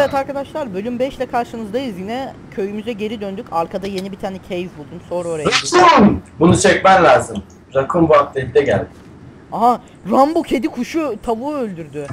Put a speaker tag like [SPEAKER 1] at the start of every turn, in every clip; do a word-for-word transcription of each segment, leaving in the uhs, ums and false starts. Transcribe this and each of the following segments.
[SPEAKER 1] Evet arkadaşlar, bölüm beş ile karşınızdayız yine. Köyümüze geri döndük. Arkada yeni bir tane cave buldum. Sonra oraya
[SPEAKER 2] gittim. Bunu çekmen lazım. Rakun bu update'de geldi.
[SPEAKER 1] Aha, Rambo kedi kuşu tavuğu öldürdü.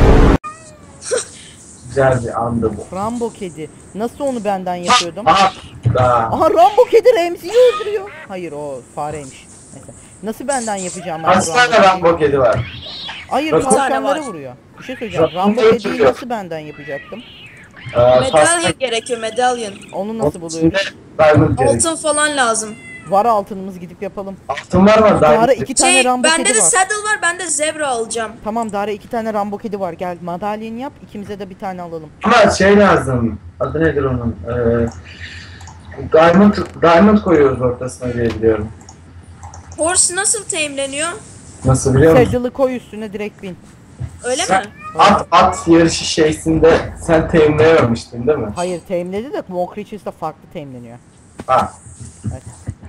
[SPEAKER 2] Güzel bir andı bu.
[SPEAKER 1] Rambo kedi. Nasıl onu benden yapıyordum?
[SPEAKER 2] Aha, aha.
[SPEAKER 1] Aha, Rambo kedi Remzi'yi öldürüyor. Hayır, o fareymiş. Neyse. Nasıl benden yapacağım ben?
[SPEAKER 2] Kaç tane Rambo kedi var?
[SPEAKER 1] Hayır,
[SPEAKER 2] Rakun
[SPEAKER 1] tavşanları vuruyor. Bir şey söyleyeceğim. Rambo kediyi nasıl benden yapacaktım?
[SPEAKER 2] Ee,
[SPEAKER 3] Medalyon gerekiyor, medalyon.
[SPEAKER 1] Onu nasıl buluyoruz?
[SPEAKER 3] Altın falan lazım.
[SPEAKER 1] Var altınımız, gidip yapalım.
[SPEAKER 2] Altın var mı?
[SPEAKER 1] Dara iki tane
[SPEAKER 3] Şey,
[SPEAKER 1] Rambo
[SPEAKER 3] bende
[SPEAKER 1] kedi
[SPEAKER 3] de
[SPEAKER 1] var.
[SPEAKER 3] saddle var, ben de zebra alacağım.
[SPEAKER 1] Tamam Dara, iki tane Rambo kedi var. Gel madalyon yap, ikimize de bir tane alalım.
[SPEAKER 2] Ama şey lazım. Adı nedir onun? Ee, diamond, diamond koyuyoruz ortasına diye biliyorum.
[SPEAKER 3] Horse nasıl teamleniyor?
[SPEAKER 2] Nasıl biliyor musun?
[SPEAKER 1] Saddle'ı koy üstüne, direkt bin.
[SPEAKER 3] Öyle
[SPEAKER 2] Sen,
[SPEAKER 3] mi?
[SPEAKER 2] at at yarışı şeysinde sen teminleyememiştin değil mi?
[SPEAKER 1] Hayır, teamledi de Mo Creatures'da farklı teamleniyor.
[SPEAKER 2] Ha.
[SPEAKER 1] Evet.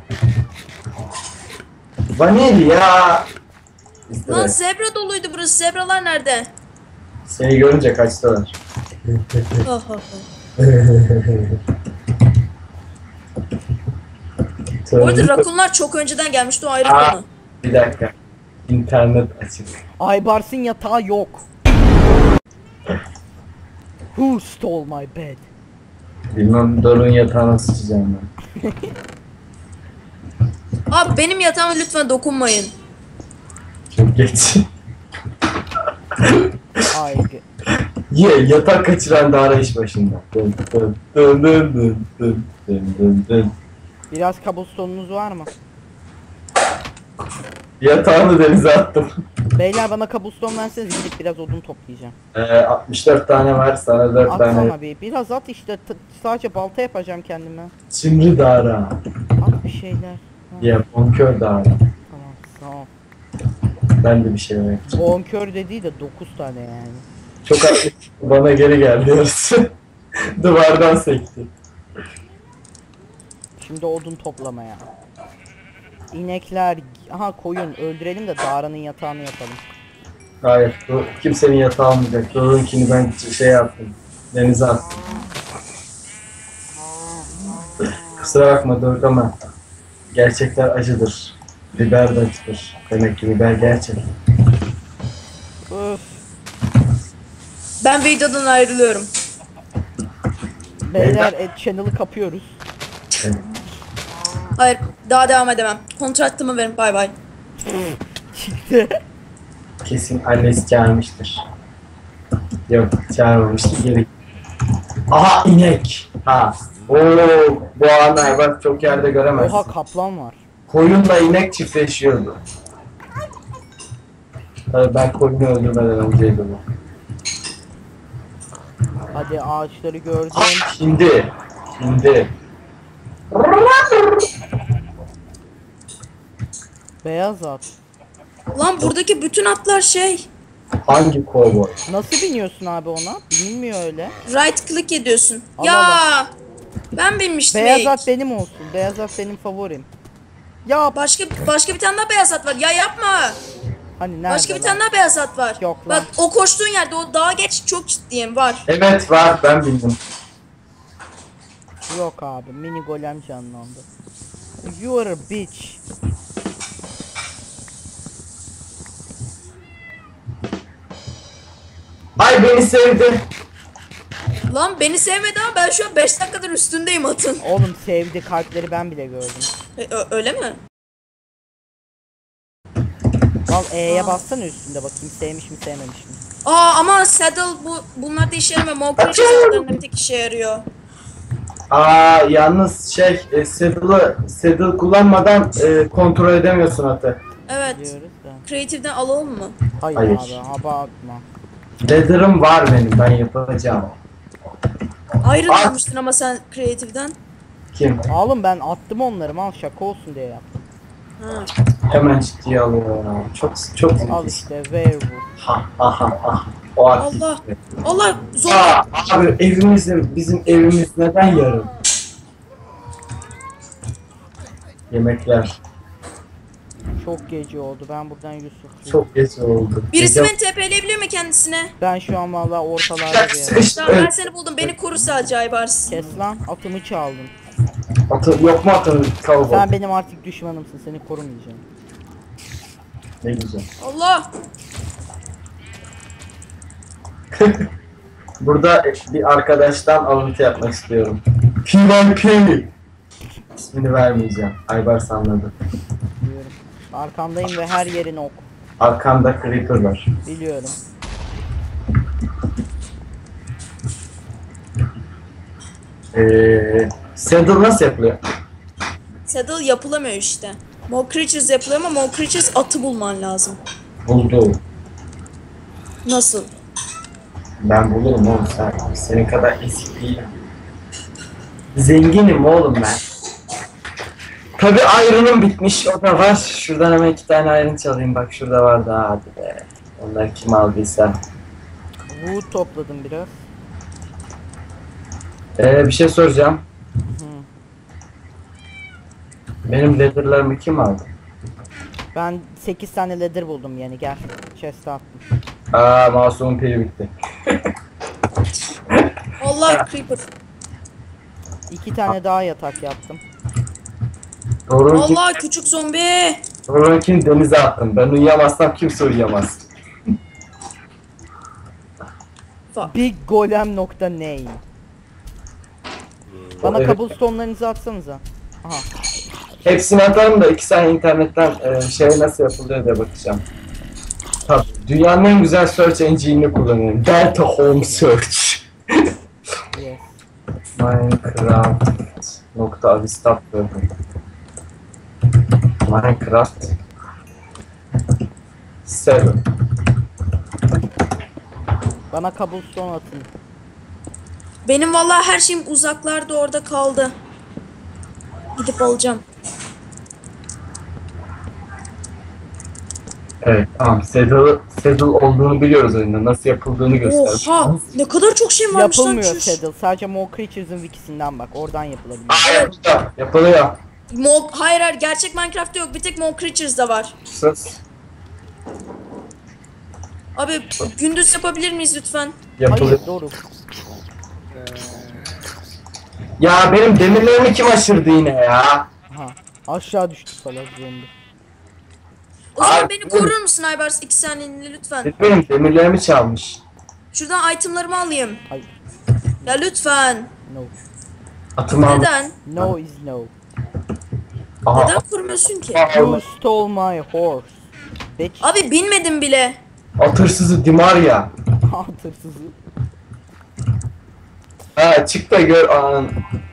[SPEAKER 2] Vanilya. İşte
[SPEAKER 3] Lan
[SPEAKER 2] evet.
[SPEAKER 3] zebra doluydu burası. Zebralar nerede?
[SPEAKER 2] Seni görünce kaçtılar.
[SPEAKER 3] Oh, oh, oh. Bu arada rakunlar çok önceden gelmişti, o ayrı
[SPEAKER 2] Aa,
[SPEAKER 3] konu.
[SPEAKER 2] bir dakika. İnternet açık.
[SPEAKER 1] Aybars'ın yatağı yok. Who stole my bed?
[SPEAKER 2] Bilmem Doruk'un yatağına sıçacağım ben.
[SPEAKER 3] Abi benim yatağıma lütfen dokunmayın.
[SPEAKER 2] Çok geç.
[SPEAKER 1] Ay.
[SPEAKER 2] Ye yatak kaçıran da arayış başında. Dın dın dın dın dın dın dın dın dın.
[SPEAKER 1] Biraz kabustonunuz var mı?
[SPEAKER 2] Yatağını denize attım.
[SPEAKER 1] Beyler, bana kabuston verseniz, gidip biraz odun toplayacağım.
[SPEAKER 2] Ee, altmış dört tane var, sana dört tane.
[SPEAKER 1] Atsana bir. Biraz at işte. T sadece balta yapacağım kendime.
[SPEAKER 2] Çimri dara.
[SPEAKER 1] At bir şeyler. Ha,
[SPEAKER 2] Ya bonkör dara.
[SPEAKER 1] tamam, tamam.
[SPEAKER 2] Ben de bir şey demek için.
[SPEAKER 1] Bonkör dediği de dokuz tane yani.
[SPEAKER 2] Çok haklı. Bana geri geldi yarısı. Duvardan sekti.
[SPEAKER 1] Şimdi odun toplamaya. İnekler, aha koyun öldürelim de Dara'nın yatağını yapalım.
[SPEAKER 2] Hayır, bu kimsenin yatağı almayacak. Doruk'unkini ben şey yaptım. Denize attım. Kusura bakma Doruk ama gerçekler acıdır. Biber de acıdır. Demek ki biber gerçek.
[SPEAKER 1] Öf.
[SPEAKER 3] Ben videodan ayrılıyorum.
[SPEAKER 1] Beyler, et channel'ı kapıyoruz.
[SPEAKER 2] Evet.
[SPEAKER 3] Hayır, daha devam edemem. Kontratımı verin, bay bay.
[SPEAKER 1] Çıktı.
[SPEAKER 2] Kesin annesi çağırmıştır. Yok, çağırmamıştır. Geri. Aha inek. Ha. Oo, bu anı hayvan çok yerde göremezsin.
[SPEAKER 1] Oha, kaplan var.
[SPEAKER 2] Koyunla inek çiftleşiyordu. Tabii ben koyunu öldürmeden önceydi bu.
[SPEAKER 1] Hadi ağaçları gördüm.
[SPEAKER 2] Ah, şimdi. Şimdi.
[SPEAKER 1] Beyaz at.
[SPEAKER 3] Lan buradaki bütün atlar şey.
[SPEAKER 2] Hangi kovboy?
[SPEAKER 1] Nasıl biniyorsun abi ona? Binmiyor öyle.
[SPEAKER 3] Right click ediyorsun.
[SPEAKER 1] Allah
[SPEAKER 3] ya
[SPEAKER 1] Allah.
[SPEAKER 3] ben binmiştim.
[SPEAKER 1] Beyaz
[SPEAKER 3] ilk.
[SPEAKER 1] at benim olsun. Beyaz at benim favorim. Ya
[SPEAKER 3] Başka başka bir tane daha beyaz at var. Ya yapma.
[SPEAKER 1] hani nerede?
[SPEAKER 3] Başka bir
[SPEAKER 1] lan?
[SPEAKER 3] tane daha beyaz at var.
[SPEAKER 1] Yok lan.
[SPEAKER 3] Bak o koştuğun yerde, o dağa geç, çok ciddiyim, var.
[SPEAKER 2] Evet var, ben bildim.
[SPEAKER 1] Yok abi, mini golem canlandı. You are a bitch.
[SPEAKER 2] Ay beni sevdi.
[SPEAKER 3] Lan beni sevmedi ama ben şu an beş dakikadır üstündeyim atın.
[SPEAKER 1] Oğlum sevdi, kalpleri ben bile gördüm.
[SPEAKER 3] E, ö- öyle mi?
[SPEAKER 1] Al E'ye bassana üstünde, bakayım sevmiş mi sevmemiş mi?
[SPEAKER 3] Aa ama saddle bu bunlar da işe yaramıyor. Mokri saddle'larında bir tek işe yarıyor.
[SPEAKER 2] Aa yalnız şey, e, saddle'ı saddle kullanmadan e, kontrol edemiyorsun atı.
[SPEAKER 3] Evet.
[SPEAKER 1] Diyoruz da.
[SPEAKER 3] Creative'den alalım mı?
[SPEAKER 1] Hayır,
[SPEAKER 2] Hayır.
[SPEAKER 1] abi, abartma.
[SPEAKER 2] Leather'ım var benim, ben yapacağım.
[SPEAKER 3] Ayrı
[SPEAKER 2] Aa.
[SPEAKER 3] almıştın ama sen Creative'den.
[SPEAKER 2] Kim?
[SPEAKER 1] Oğlum ben attım onları, mal şaka olsun diye yaptım.
[SPEAKER 3] Ha.
[SPEAKER 2] Hemen ciddiye alıyor ya. Çok çok
[SPEAKER 1] Al
[SPEAKER 2] ilginç.
[SPEAKER 1] işte werewolf.
[SPEAKER 2] Ha ha ha ha. O aktif.
[SPEAKER 3] Allah. Allah zor.
[SPEAKER 2] Aa, abi evimizin, bizim evimiz neden yarım? Yemekler.
[SPEAKER 1] Çok gece oldu. Ben buradan Yusuf.
[SPEAKER 2] Çok geç oldu.
[SPEAKER 3] Birisi
[SPEAKER 2] Gece-
[SPEAKER 3] beni T P'leyebilir mi kendisine?
[SPEAKER 1] Ben şu an vallahi ortalarda bir yere.
[SPEAKER 2] Sıkıştı.
[SPEAKER 3] Tamam ben
[SPEAKER 2] Evet.
[SPEAKER 3] seni buldum. Beni koru sadece Aybars.
[SPEAKER 1] Kes lan, atımı çaldın.
[SPEAKER 2] Atı, yok mu atın kalabalık?
[SPEAKER 1] Sen benim artık düşmanımsın, seni korumayacağım.
[SPEAKER 2] Ne güzel.
[SPEAKER 3] Allah!
[SPEAKER 2] Burada bir arkadaştan alıntı yapmak istiyorum. P Y P. İsmini vermeyeceğim. Aybars anladı.
[SPEAKER 1] Biliyorum. Arkandayım ve her yerin ok.
[SPEAKER 2] Arkanda creeper var.
[SPEAKER 1] Biliyorum.
[SPEAKER 2] Eee... Saddle nasıl yapılıyor?
[SPEAKER 3] Saddle yapılamıyor işte. More Creatures yapılıyor ama More Creatures atı bulman lazım.
[SPEAKER 2] Buldu.
[SPEAKER 3] Nasıl?
[SPEAKER 2] Ben bulurum oğlum sen. Senin kadar eski değilim. Zenginim oğlum ben. Tabi ayrınım bitmiş, o da var. Şuradan hemen iki tane ayrın çalayım, bak şurada vardı, hadi be. Onları kim aldıysa.
[SPEAKER 1] Wood topladım biraz.
[SPEAKER 2] Ee, bir şey soracağım.
[SPEAKER 1] Hı.
[SPEAKER 2] Benim leather'larımı kim aldı?
[SPEAKER 1] Ben sekiz tane leather buldum yani, gel. Chest'e attım.
[SPEAKER 2] Aa, masumun pili bitti.
[SPEAKER 3] Allah Creeper.
[SPEAKER 1] İki tane daha yatak yaptım.
[SPEAKER 2] Doğru'nun
[SPEAKER 3] Allah küçük zombi.
[SPEAKER 2] Doğru'nunkini denize attım. Ben uyuyamazsam kimse uyuyamaz.
[SPEAKER 3] Fuck.
[SPEAKER 1] Big golem nokta name. Bana
[SPEAKER 2] Evet.
[SPEAKER 1] cobblestone'larınızı atsanıza. Aha.
[SPEAKER 2] Hepsini atarım da iki saniye internetten e, şey nasıl yapılıyor diye bakacağım. Tabii, dünyanın en güzel search engine'ini kullanıyorum. Delta Home Search.
[SPEAKER 1] Yes.
[SPEAKER 2] Minecraft nokta avistap Minecraft seven.
[SPEAKER 1] Bana cobblestone atın.
[SPEAKER 3] Benim vallahi her şeyim uzaklarda orada kaldı. Gidip alacağım.
[SPEAKER 2] Evet tamam, saddle, saddle olduğunu biliyoruz oyunda. Nasıl yapıldığını göstermiş.
[SPEAKER 3] Oha! Ne kadar çok şey varmış lan.
[SPEAKER 1] Yapılmıyor
[SPEAKER 3] çüş.
[SPEAKER 1] saddle. Sadece More Creatures'ın wikisinden bak. Oradan yapılabiliyor.
[SPEAKER 2] Aa, yapılıyor. Yapılıyor.
[SPEAKER 3] Mo hayır hayır gerçek Minecraft'ta yok. Bir tek More Creatures'da var.
[SPEAKER 2] Sus.
[SPEAKER 3] Abi gündüz yapabilir miyiz lütfen?
[SPEAKER 2] Yapılıyor.
[SPEAKER 1] Hayır doğru.
[SPEAKER 2] Ya benim demirlerimi kim aşırdı yine ya?
[SPEAKER 1] Aha. Aşağı düştü salak zombi.
[SPEAKER 3] O zaman
[SPEAKER 2] Abi,
[SPEAKER 3] beni korur musun Aybars? İki saniyeliğine lütfen.
[SPEAKER 2] Benim demirlerimi çalmış.
[SPEAKER 3] Şuradan itemlarımı alayım.
[SPEAKER 1] Hayır.
[SPEAKER 3] Ya lütfen.
[SPEAKER 1] No.
[SPEAKER 2] Atımı almış.
[SPEAKER 3] Neden?
[SPEAKER 1] No is no.
[SPEAKER 2] Aha.
[SPEAKER 3] Neden korumuyorsun ki?
[SPEAKER 1] You stole my horse. Bitch.
[SPEAKER 3] Abi binmedim bile.
[SPEAKER 2] At hırsızı Dimaria.
[SPEAKER 1] Hatırsızı.
[SPEAKER 2] Ha çık da gör anın.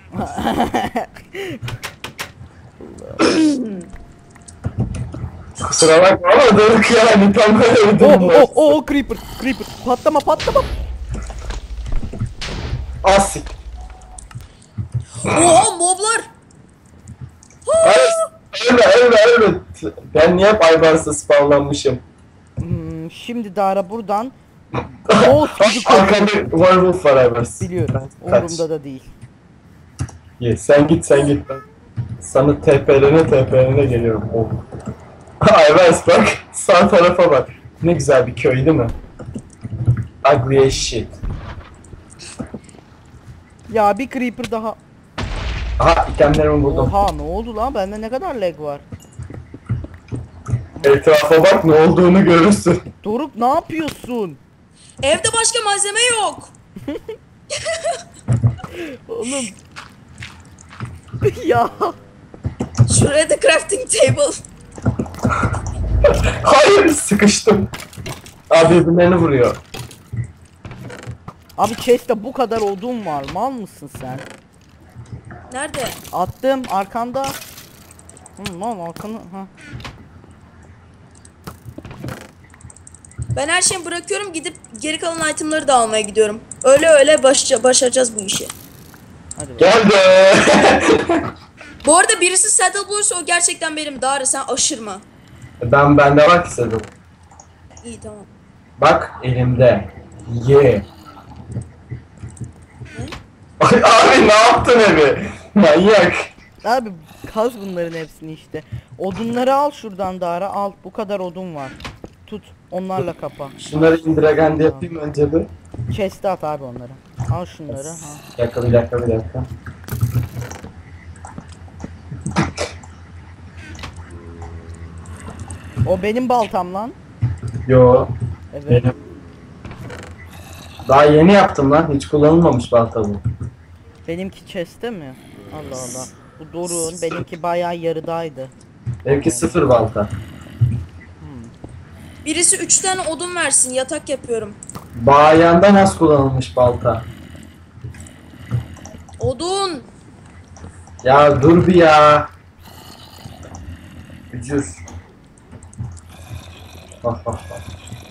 [SPEAKER 2] Kusura bakma ama dönük yani tam böyle bir
[SPEAKER 1] Oh
[SPEAKER 2] durum var.
[SPEAKER 1] oh oh creeper creeper. Patlama patlama.
[SPEAKER 2] Asik.
[SPEAKER 3] Oha moblar.
[SPEAKER 2] Hayır. Ölme ölme ölme. Ben niye hep Aybars'ta spawnlanmışım?
[SPEAKER 1] Hmm, şimdi Dara buradan boss gibi
[SPEAKER 2] Arkanda
[SPEAKER 1] koşuyor.
[SPEAKER 2] werewolf var Aybars.
[SPEAKER 1] Biliyorum.
[SPEAKER 2] Kaç.
[SPEAKER 1] Umurumda da değil.
[SPEAKER 2] Ye, sen git sen git. Ben sana T P'lerine T P'lerine geliyorum. Oh. Aybars bak. Sağ tarafa bak. Ne güzel bir köy değil mi? Ugly as shit.
[SPEAKER 1] Ya bir creeper daha.
[SPEAKER 2] Aha itemlerimi buldum.
[SPEAKER 1] Oha ne oldu lan? Bende ne kadar lag var?
[SPEAKER 2] Etrafa bak, ne olduğunu görürsün.
[SPEAKER 1] Doruk ne yapıyorsun?
[SPEAKER 3] Evde başka malzeme yok.
[SPEAKER 1] Oğlum. Ya.
[SPEAKER 3] Şuraya da crafting table.
[SPEAKER 2] Hayır, sıkıştım. Abi birbirlerini vuruyor.
[SPEAKER 1] Abi chest'te bu kadar odun var. Mal mısın sen?
[SPEAKER 3] Nerede?
[SPEAKER 1] Attım arkanda. Hı, lan arkanı. Ha.
[SPEAKER 3] Ben her şeyi bırakıyorum gidip geri kalan itemları da almaya gidiyorum. Öyle öyle baş başaracağız bu işi.
[SPEAKER 1] Hadi bak.
[SPEAKER 2] Geldi.
[SPEAKER 3] Bu arada birisi saddle bulursa o gerçekten benim. Dara sen aşırma.
[SPEAKER 2] Ben bende var ki Sedu.
[SPEAKER 3] İyi tamam.
[SPEAKER 2] Bak elimde. Ye.
[SPEAKER 3] Ne?
[SPEAKER 2] Ay abi ne yaptın evi? Manyak.
[SPEAKER 1] Abi Kaz bunların hepsini işte. Odunları al şuradan Dara, al. Bu kadar odun var. Tut. Onlarla kapa.
[SPEAKER 2] Şunları indiragende yapayım önce bir.
[SPEAKER 1] Chest'e at abi onları. Al şunları. Ha.
[SPEAKER 2] Bir dakika bir dakika bir dakika.
[SPEAKER 1] O benim baltam lan.
[SPEAKER 2] Yo.
[SPEAKER 1] Evet.
[SPEAKER 2] Benim. Daha yeni yaptım lan. Hiç kullanılmamış balta bu.
[SPEAKER 1] Benimki chest'te mi? Allah Allah. Bu Doruk'un, benimki bayağı yarıdaydı.
[SPEAKER 2] Benimki sıfır balta.
[SPEAKER 3] Birisi üç tane odun versin, yatak yapıyorum.
[SPEAKER 2] Bayandan az kullanılmış balta.
[SPEAKER 3] Odun.
[SPEAKER 2] Ya dur bir ya. Ücür. Bak bak bak.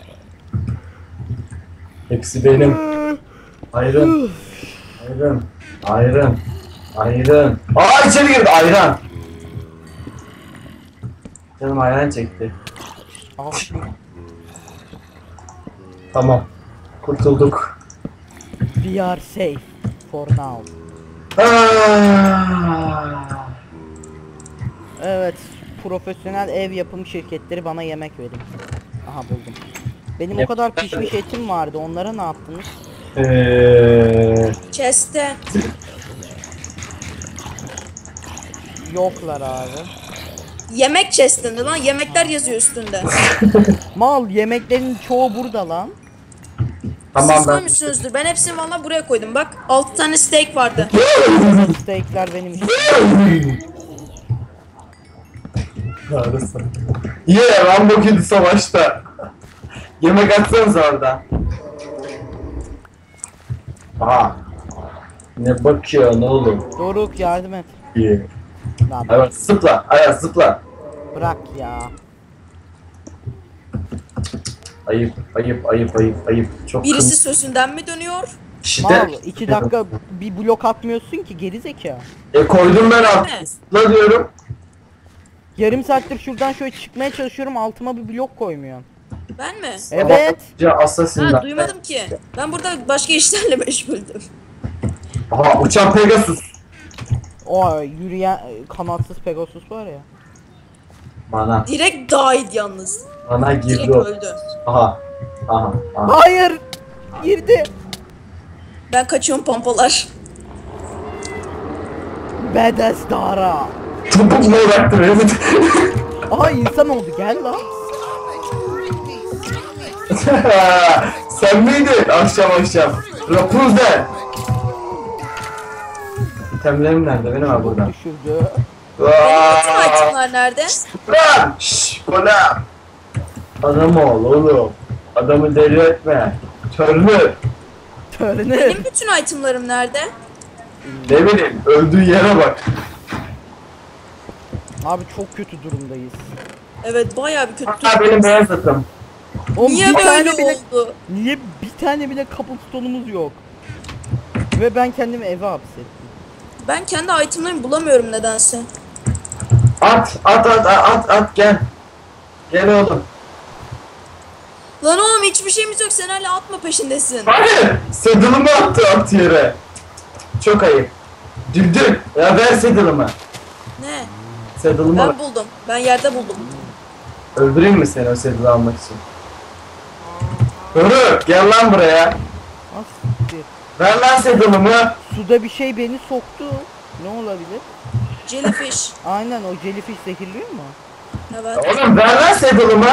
[SPEAKER 2] Hepsi benim. Ayrın. Ayrın. Ayrın. Ayrın. Aa içeri girdi ayran. Canım ayran çekti.
[SPEAKER 1] Al.
[SPEAKER 2] Tamam. Kurtulduk.
[SPEAKER 1] We are safe for now.
[SPEAKER 2] Ah.
[SPEAKER 1] Evet. Profesyonel ev yapım şirketleri bana yemek verin. Aha buldum. Benim o
[SPEAKER 2] Yap-
[SPEAKER 1] kadar pişmiş etim vardı. Onlara ne yaptınız?
[SPEAKER 2] Eee
[SPEAKER 3] Chest'te.
[SPEAKER 1] Yoklar abi.
[SPEAKER 3] Yemek chest'inde lan. Yemekler yazıyor üstünde.
[SPEAKER 1] Mal, yemeklerin çoğu burada lan.
[SPEAKER 2] tamam
[SPEAKER 3] Siz
[SPEAKER 2] ben.
[SPEAKER 3] koymuşsunuzdur. Ben hepsini valla buraya koydum. Bak altı tane steak vardı.
[SPEAKER 1] Steakler benim için.
[SPEAKER 2] Yarısı. Yeah, Rambo kedi savaşta. Yemek atsanız orada. Aha. Ne bakıyorsun oğlum?
[SPEAKER 1] Doruk yardım et.
[SPEAKER 2] İyi.
[SPEAKER 1] Lan
[SPEAKER 2] Evet zıpla. Ayaz zıpla.
[SPEAKER 1] bırak ya.
[SPEAKER 2] Ayıp, ayıp, ayıp, ayıp, ayıp. Çok
[SPEAKER 3] Birisi sözünden mi dönüyor?
[SPEAKER 2] İşte.
[SPEAKER 1] Mal, iki dakika bir blok atmıyorsun ki geri zeka.
[SPEAKER 2] E koydum ben altına.
[SPEAKER 3] mi?
[SPEAKER 2] Zıpla diyorum.
[SPEAKER 1] Yarım saattir şuradan şöyle çıkmaya çalışıyorum, altıma bir blok koymuyorsun.
[SPEAKER 3] Ben mi?
[SPEAKER 1] Evet.
[SPEAKER 2] Ya Assassin'den.
[SPEAKER 3] Ha duymadım ki. Ben burada başka işlerle meşguldüm.
[SPEAKER 2] Aha uçan Pegasus.
[SPEAKER 1] O yürüyen kanatsız Pegasus var ya.
[SPEAKER 2] Bana,
[SPEAKER 3] Direkt died yalnız.
[SPEAKER 2] bana
[SPEAKER 3] Direkt
[SPEAKER 2] girdi o.
[SPEAKER 3] öldü.
[SPEAKER 2] Aha. Aha. Aha.
[SPEAKER 1] Hayır. Girdi.
[SPEAKER 3] Ben kaçıyorum pompalar.
[SPEAKER 1] Badass Dara.
[SPEAKER 2] Topuk mu bıraktı beni?
[SPEAKER 1] Aha insan oldu, gel lan.
[SPEAKER 2] Sen miydin akşam akşam? Rapunzel. İtemlerim nerede? Benim var burada.
[SPEAKER 1] Düşürdü.
[SPEAKER 3] Benim bütün itemler nerede?
[SPEAKER 2] Lan! Şşş! Kola! Adam ol oğlum. Adamı deli etme. Törlü.
[SPEAKER 1] Törünü.
[SPEAKER 3] Benim bütün itemlarım nerede?
[SPEAKER 2] Ne bileyim öldüğü yere bak.
[SPEAKER 1] Abi çok kötü durumdayız.
[SPEAKER 3] Evet bayağı bir kötü.
[SPEAKER 2] Hatta benim beyaz atım.
[SPEAKER 1] Oğlum
[SPEAKER 3] Niye
[SPEAKER 1] bir
[SPEAKER 3] böyle
[SPEAKER 1] tane bile,
[SPEAKER 3] oldu?
[SPEAKER 1] niye bir tane bile cobblestone'umuz yok? Ve ben kendimi eve hapsettim.
[SPEAKER 3] Ben kendi itemlerimi bulamıyorum nedense.
[SPEAKER 2] At at at at at gel. Gel oğlum.
[SPEAKER 3] Lan oğlum hiçbir şeyimiz yok. Sen hala atma peşindesin.
[SPEAKER 2] Hayır! Saddle'ımı attı at yere. Çok ayıp. Düldül. Ya ver saddle'ımı.
[SPEAKER 3] Ne?
[SPEAKER 2] Saddle'ımı ver.
[SPEAKER 3] Ben buldum. Ben yerde buldum.
[SPEAKER 2] Öldüreyim mi seni o saddle'ı almak için? Hırı gel lan buraya.
[SPEAKER 1] Asiktir.
[SPEAKER 2] Ver lan saddle'ımı.
[SPEAKER 1] Suda bir şey beni soktu. Ne olabilir?
[SPEAKER 3] Jellyfish.
[SPEAKER 1] Aynen, o jellyfish zehirliyor mu?
[SPEAKER 3] Evet.
[SPEAKER 2] Oğlum ver lan saddle'ımı.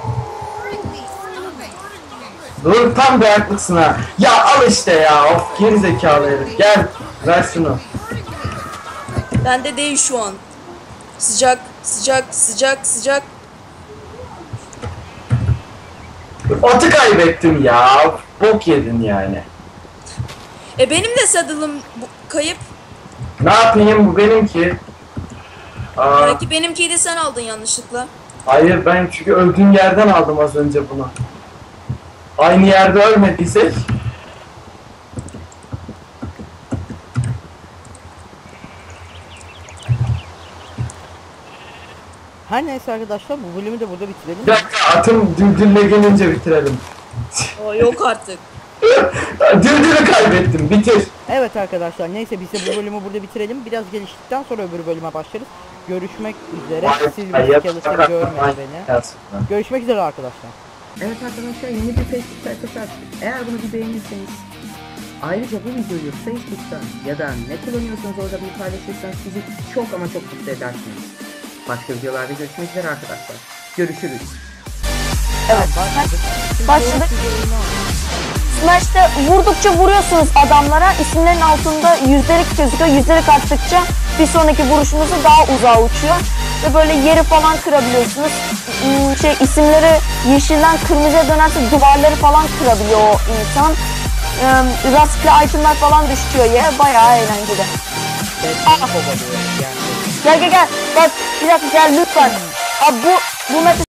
[SPEAKER 2] Dur tam dayaklısın ha. Ya al işte ya. Of geri zekalı herif. Gel ver şunu.
[SPEAKER 3] Bende değil şu an. Sıcak, sıcak, sıcak, sıcak.
[SPEAKER 2] Atı kaybettim ya. Bok yedin yani.
[SPEAKER 3] E benim de saddle'ım bu- kayıp.
[SPEAKER 2] Ne yapayım bu benimki. Aa,
[SPEAKER 3] Belki benimkiyi de sen aldın yanlışlıkla.
[SPEAKER 2] hayır ben çünkü öldüğüm yerden aldım az önce bunu. Aynı yerde ölmediysek.
[SPEAKER 1] Her neyse arkadaşlar, bu bölümü de burada bitirelim.
[SPEAKER 2] Bir dakika atım düldülle gelince bitirelim.
[SPEAKER 3] O yok artık.
[SPEAKER 2] Düldülü kaybettim bitir.
[SPEAKER 1] Evet arkadaşlar, neyse biz de bu bölümü burada bitirelim. Biraz geliştikten sonra öbür bölüme başlarız. görüşmek üzere.
[SPEAKER 2] Vay,
[SPEAKER 1] Silver
[SPEAKER 2] hayat
[SPEAKER 1] Skeleton
[SPEAKER 2] fakat
[SPEAKER 1] görmedi
[SPEAKER 2] aynı
[SPEAKER 1] beni.
[SPEAKER 2] aslında.
[SPEAKER 1] Görüşmek üzere arkadaşlar.
[SPEAKER 4] Evet arkadaşlar, yeni bir Facebook sayfası açtık. Eğer bunu bir beğenirseniz, ayrıca bu videoyu Facebook'tan ya da ne kullanıyorsanız orada bir paylaşırsanız bizi çok ama çok mutlu edersiniz. Başka videolarda görüşmek üzere arkadaşlar. Görüşürüz.
[SPEAKER 5] Evet.
[SPEAKER 1] Başladık. Şimdi
[SPEAKER 5] Başladık.
[SPEAKER 1] doğru bir oyunu oynuyoruz.
[SPEAKER 5] Smash'te vurdukça vuruyorsunuz adamlara. İsimlerin altında yüzdelik gözüküyor. Yüzdelik arttıkça bir sonraki vuruşunuzu daha uzağa uçuyor. Ve böyle yeri falan kırabiliyorsunuz. Hmm, Şey isimleri yeşilden kırmızıya dönerse duvarları falan kırabiliyor o insan. Ee, rastgele itemler falan düşüyor ya. Bayağı eğlenceli.
[SPEAKER 1] Seslerini kovalıyor yani.
[SPEAKER 5] Gel gel gel. Bak bir dakika gel lütfen. Abi bu bu meta